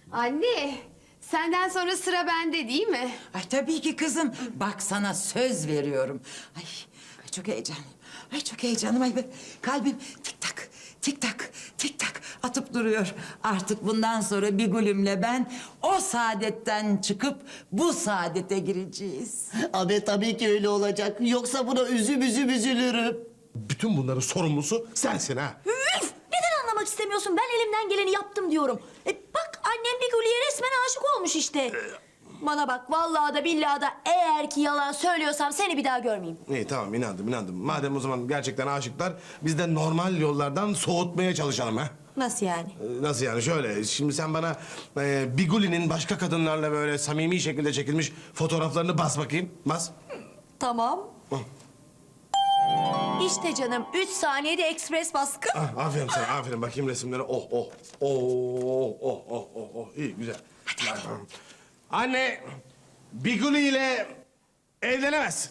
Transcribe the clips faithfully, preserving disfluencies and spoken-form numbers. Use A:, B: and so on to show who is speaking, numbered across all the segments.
A: Anne, senden sonra sıra bende değil mi?
B: Ay tabii ki kızım. Bak sana söz veriyorum. Ay, ay çok heyecanlıyım. Ay çok heyecanlıyım. Ay be- kalbim tik tak, tik tak, tik tak atıp duruyor. Artık bundan sonra Bigül'ümle ben o saadetten çıkıp bu saadete gireceğiz.
C: Abi tabii ki öyle olacak. Yoksa buna üzüm üzüm üzülürüm.
D: Bütün bunların sorumlusu sensin ha.
E: Üf! Neden anlamak istemiyorsun? Ben elimden geleni yaptım diyorum. E bak annem bir Gülü'ye resmen aşık olmuş işte. Bana bak vallahi da billahi da eğer ki yalan söylüyorsam seni bir daha görmeyeyim.
D: İyi tamam inandım inandım. Madem o zaman gerçekten aşıklar biz de normal yollardan soğutmaya çalışalım ha.
E: Nasıl yani?
D: Ee, Nasıl yani şöyle şimdi sen bana e, Biguli'nin başka kadınlarla böyle samimi şekilde çekilmiş fotoğraflarını bas bakayım. Bas.
E: Tamam.
D: Hı.
E: İşte canım üç saniyede ekspres baskı.
D: Ah, aferin sana aferin bakayım resimlere. Oh oh oh oh oh oh oh oh iyi güzel. Anne Biguli ile evlenemezsin.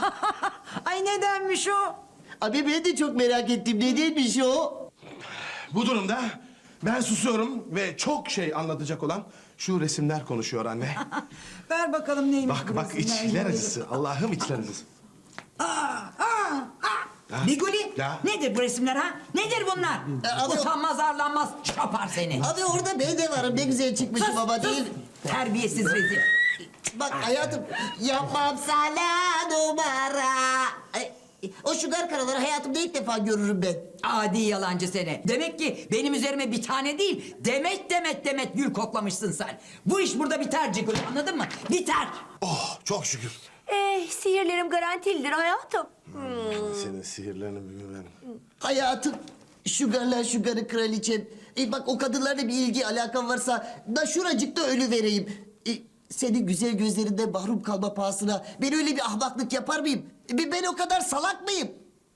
B: Ay nedenmiş o?
C: Abi ben de çok merak ettim. Nedenmiş o?
D: Bu durumda ben susuyorum ve çok şey anlatacak olan şu resimler konuşuyor anne.
B: Ver bakalım neymiş
D: Bak
B: bu
D: bak
B: resimler?
D: içler acısı. Allah'ım içler acısı.
B: Aa, aa, aa. Biguli,
D: Ya.
B: nedir bu resimler ha? Nedir bunlar?
C: E, abi-
B: Utanmaz arlanmaz çapar seni.
C: Abi orada ben de varım. Ne güzel çıkmışım
B: Sus,
C: ama
B: sus.
C: değil.
B: Terbiyesiz rezil.
C: Bak hayatım yapmam sana numara. Ay, o şugar karaları hayatımda ilk defa görürüm ben.
B: Adi yalancı seni. Demek ki benim üzerime bir tane değil, demet demet demet gül koklamışsın sen. Bu iş burada biter Cigül, anladın mı? Biter.
D: Oh çok şükür.
E: Eh sihirlerim garantilidir hayatım.
D: Senin sihirlerini bilmem.
C: Hayatım şugarlar şugarı kraliçem. E bak o kadınlarla bir ilgi alakam varsa da şuracıkta ölü vereyim. E, senin güzel gözlerinde mahrum kalma pahasına ben öyle bir ahmaklık yapar mıyım? E, ben o kadar salak mıyım?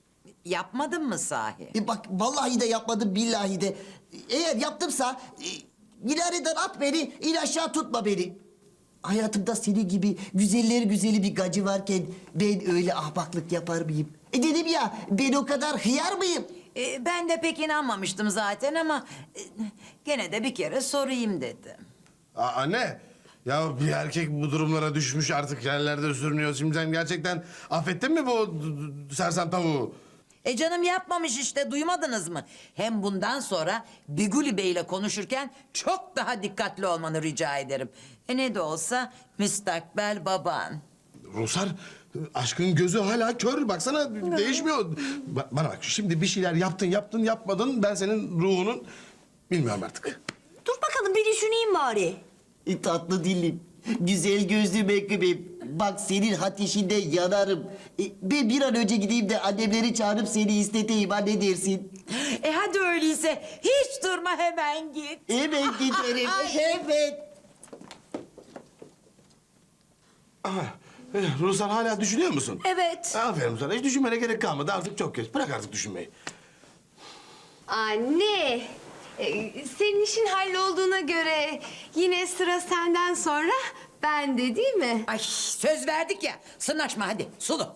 B: Yapmadın mı sahi?
C: E bak vallahi de yapmadım billahi de. Eğer yaptımsa e, minareden at beni in aşağı tutma beni. Hayatımda senin gibi güzeller güzeli bir gacı varken ben öyle ahmaklık yapar mıyım? E dedim ya ben o kadar hıyar mıyım?
B: Ee, ben de pek inanmamıştım zaten ama e, gene de bir kere sorayım dedim.
D: Aa, anne ya bir erkek bu durumlara düşmüş artık yerlerde sürünüyor. Şimdi sen gerçekten affettin mi bu d- d- sersem tavuğu?
B: E canım yapmamış işte, duymadınız mı? Hem bundan sonra Biguli Bey'le konuşurken çok daha dikkatli olmanı rica ederim. E ne de olsa müstakbel baban.
D: Rusar aşkın gözü hala kör baksana değişmiyor. Ba- bana bak şimdi bir şeyler yaptın yaptın yapmadın ben senin ruhunun bilmiyorum artık.
E: Dur bakalım bir düşüneyim bari.
C: E, tatlı dilim, güzel gözlü mekkubim. Bak senin ateşinde yanarım. E, ben bir an önce gideyim de annemleri çağırıp seni isteteyim. Ha ne dersin?
B: E hadi öyleyse hiç durma, hemen git.
C: Hemen giderim, hemen.
D: Aha, eh, Rusar hala düşünüyor musun?
E: Evet.
D: Aferin sana hiç düşünmene gerek kalmadı artık çok geç. Bırak artık düşünmeyi.
A: Anne, e, senin işin hallolduğuna göre yine sıra senden sonra bende değil mi?
B: Ay söz verdik ya, sırnaşma hadi Sulu.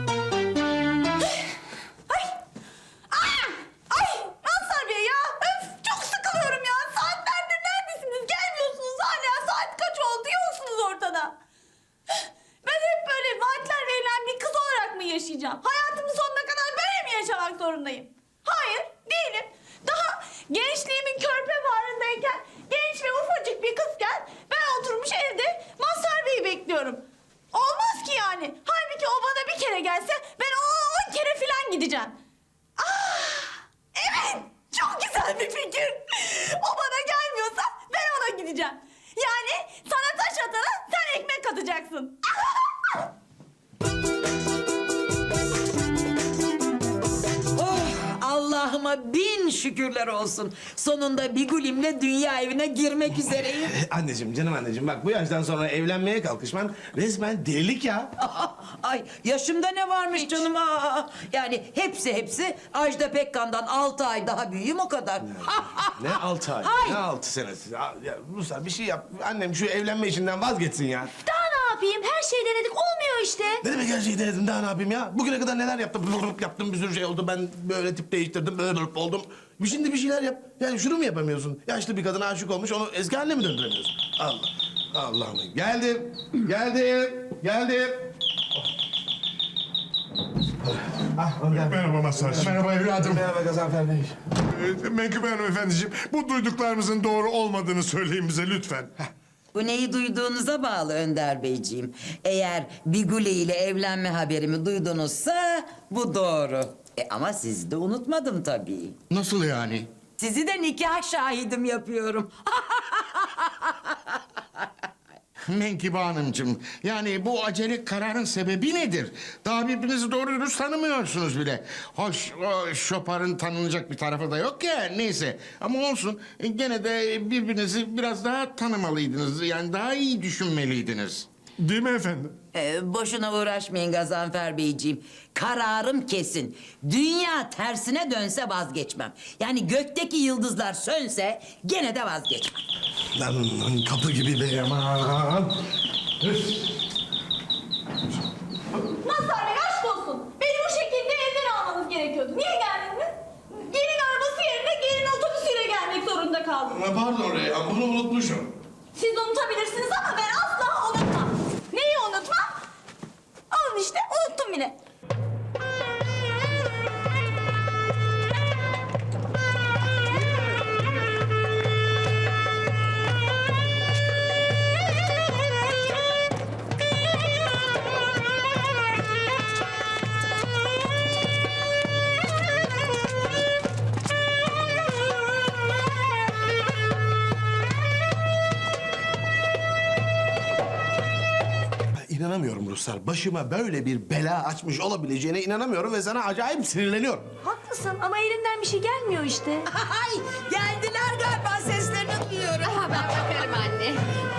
E: Ay Mazhar Bey ya öf çok sıkılıyorum ya. Saatlerdir neredesiniz? Gelmiyorsunuz hala. Saat kaç oldu? Yoksunuz ortada. Ben hep böyle vaatler verilen bir kız olarak mı yaşayacağım? Hayatımın sonuna kadar böyle mi yaşamak zorundayım? Hayır değilim. Daha gençliğimin körpe bağrındayken genç ve ufacık bir kızken ben oturmuş evde Mazhar Bey'i bekliyorum. Olmaz ki yani. Halbuki o bana bir kere gelse ben ona on kere falan gideceğim. Ah, evet, çok güzel bir fikir. O bana gelmiyorsa ben ona gideceğim. Yani sana taş atana sen ekmek atacaksın.
B: Oh Allah'ıma bin şükürler olsun. Sonunda Bigulim'le dünya evine girmek üzereyim.
D: Eh, anneciğim canım anneciğim bak bu yaştan sonra evlenmeye kalkışman resmen delilik ya.
B: Ay yaşımda ne varmış canım? Aa, yani hepsi hepsi Ajda Pekkan'dan altı ay daha büyüğüm o kadar.
D: Ne altı ay,
B: Hay!
D: ne altı senesi? Ya, ya Ruslar bir şey yap. Annem şu evlenme işinden vazgeçsin ya.
E: Daha ne yapayım? Her şeyi denedik olmuyor işte.
D: Ne demek her şeyi denedim daha ne yapayım ya? Bugüne kadar neler yaptım? Blup yaptım bir sürü şey oldu. Ben böyle tip değiştirdim. Böyle blup oldum. Şimdi bir şeyler yap. Yani şunu mu yapamıyorsun? Yaşlı bir kadına aşık olmuş onu eski haline mi döndüremiyorsun? Allah. Allah'ım. Geldim. Geldim. Geldim. Ah, Önder.
F: Merhaba Mazhar'cığım.
D: Merhaba evladım. Merhaba Gazanfer Bey.
F: Ee, Menkıbe Hanımefendiciğim, bu duyduklarımızın doğru olmadığını söyleyin bize lütfen.
B: Bu neyi duyduğunuza bağlı Önder Beyciğim. Eğer Biguli ile evlenme haberimi duydunuzsa bu doğru. E ama sizi de unutmadım tabii.
F: Nasıl yani?
B: Sizi de nikah şahidim yapıyorum.
F: Menkıbe Hanımcığım, yani bu acele kararın sebebi nedir? Daha birbirinizi doğru dürüst tanımıyorsunuz bile. Hoş, o şoparın tanınacak bir tarafı da yok ya, neyse. Ama olsun, e, gene de birbirinizi biraz daha tanımalıydınız. Yani daha iyi düşünmeliydiniz.
G: Değil mi efendim?
B: Ee, boşuna uğraşmayın Gazanfer Beyciğim. Kararım kesin. Dünya tersine dönse vazgeçmem. Yani gökteki yıldızlar sönse gene de vazgeçmem.
D: Lan lan, kapı gibi be aman.
E: Mazhar Bey aşk olsun. Beni bu şekilde evden almanız gerekiyordu. Niye geldiniz? Gelin arabası yerine gelin otobüsüyle gelmek zorunda kaldım.
D: Pardon Reyhan bunu unutmuşum.
E: Siz unutabilirsiniz ama ben asla unutmam. Neyi unutmam? Alın işte unuttum bile.
D: İnanamıyorum Ruslar. Başıma böyle bir bela açmış olabileceğine inanamıyorum ve sana acayip sinirleniyorum.
E: Haklısın ama elinden bir şey gelmiyor işte.
B: Ay geldiler galiba seslerini duyuyorum.
A: Aha, ben bakarım anne.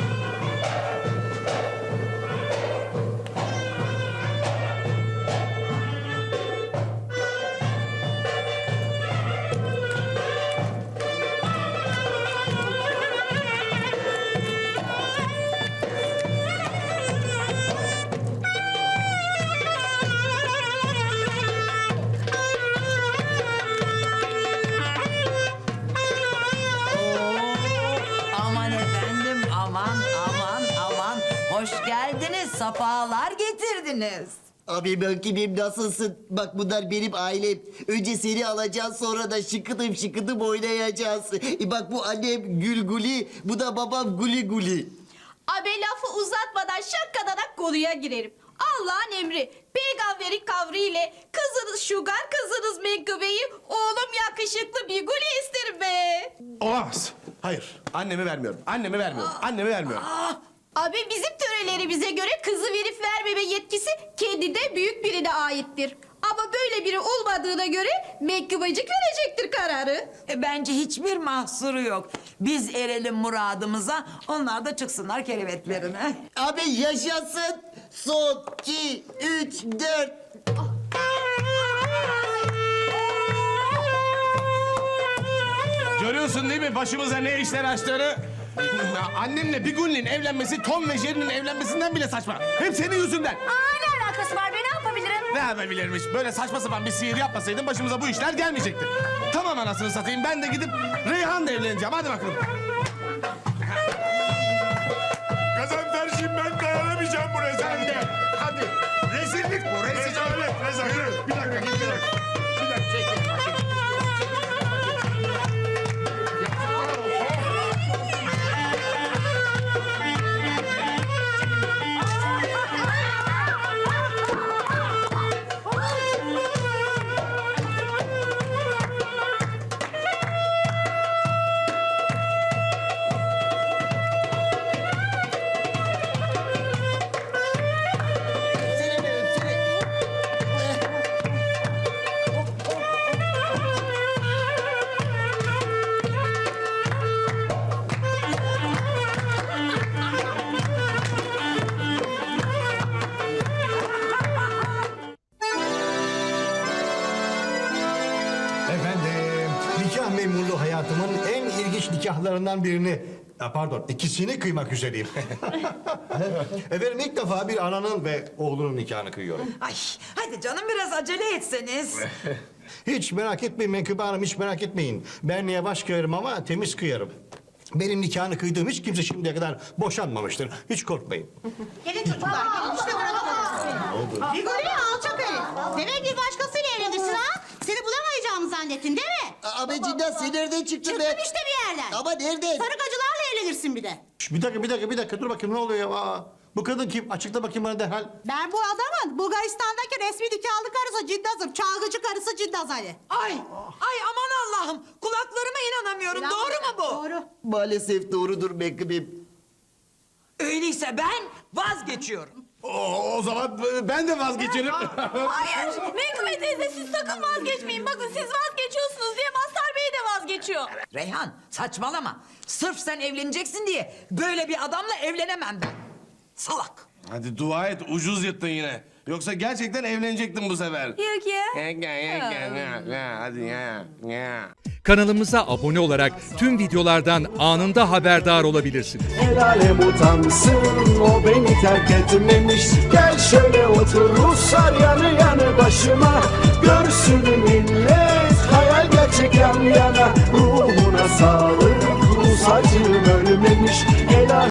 B: Aman efendim aman aman aman. Hoş geldiniz safalar getirdiniz.
C: Abi ben kimim nasılsın? Bak bunlar benim ailem. Önce seni alacağız sonra da şıkıdım şıkıdım oynayacağız. E bak bu annem Gülguli, bu da babam Guli Guli.
E: Abi lafı uzatmadan şakkadanak konuya girerim. Allah'ın emri, peygamberin kavriyle kızınız Şugar, kızınız Menkıbe'yi oğlum yakışıklı bir gülü isterim be.
D: Olamaz. Hayır. Annemi vermiyorum. Annemi vermiyorum. Annemi vermiyorum.
E: Abi bizim törelerimize göre kızı verip vermeme yetkisi kendinde büyük birine aittir. Ama böyle biri olmadığına göre Menkıbecik verecektir kararı.
B: E, bence hiçbir mahsuru yok. Biz erelim muradımıza, onlar da çıksınlar kerevetlerine.
C: Abi yaşasın. Son, iki, üç, dört.
D: Görüyorsun değil mi başımıza ne işler açtığını? Annemle Biguli'nin evlenmesi Tom ve Jerry'nin evlenmesinden bile saçma. Hep senin yüzünden.
E: Aa ne alakası var be ne yapabilirim?
D: Ne yapabilirmiş? Böyle saçma sapan bir sihir yapmasaydın başımıza bu işler gelmeyecekti. Tamam anasını satayım ben de gidip Reyhan'la evleneceğim. Hadi bakalım.
F: Gazanferciğim, ben dayanamayacağım bu rezalete.
D: Hadi. Rezillik bu. Rezillik.
F: Rezalet, rezalet. Bir dakika, git bir dakika. Bir dakika, çekil.
C: Seni de öpsene.
G: Efendim, nikah memurluğu hayatımın en ilginç nikahlarından birini Ha, pardon, ikisini kıymak üzereyim. Efendim ilk defa bir ananın ve oğlunun nikahını kıyıyorum.
B: Ay hadi canım biraz acele etseniz.
G: Hiç merak etmeyin Menkıbe Hanım, hiç merak etmeyin. Ben yavaş kıyarım ama temiz kıyarım. Benim nikahını kıydığım hiç kimse şimdiye kadar boşanmamıştır. Hiç korkmayın.
H: Gelin çocuklar, gelin işte burada. Rigoli alçak herif. Demek bir başkasıyla evlenirsin ha? Seni bulamayacağımı zannettin değil mi?
C: Abi cidden sen nereden çıktın be?
H: Çıktım işte bir yerden.
C: Ama nereden?
H: Sarıkacılarla evlenirsin bir de.
G: Şş, bir dakika, bir dakika, bir dakika. Dur bakayım ne oluyor ya? Aa, bu kadın kim? Açıkla bakayım bana derhal.
H: Ben bu adamın Bulgaristan'daki resmi nikahlı karısı Cindaz'ım. Çalgıcı karısı Cindaz Ali.
B: Ay ay aman Allah'ım kulaklarıma inanamıyorum. Doğru mu bu?
H: Doğru.
C: Maalesef doğrudur Menkıbe'm.
B: Öyleyse ben vazgeçiyorum.
D: O, o zaman ben de vazgeçerim.
E: Hayır. Menkıbe teyze siz sakın vazgeçmeyin. Bakın siz vazgeçiyorsunuz diye Mazhar Bey de vazgeçiyor.
B: Reyhan saçmalama. Sırf sen evleneceksin diye böyle bir adamla evlenemem ben. Salak.
D: Hadi dua et ucuz yırttın yine. Yoksa gerçekten evlenecektin bu sefer.
E: Yok ya.
D: Hadi ya. ya.
I: Kanalımıza abone olarak tüm videolardan anında haberdar olabilirsiniz.
J: El alem utansın o beni terk etmemiş. Gel şöyle otur Ruslar yanı yanı başıma. Görsün millet hayal gerçek yan yana. Ruhuna sağlık Rus acım ölmemiş. El alem-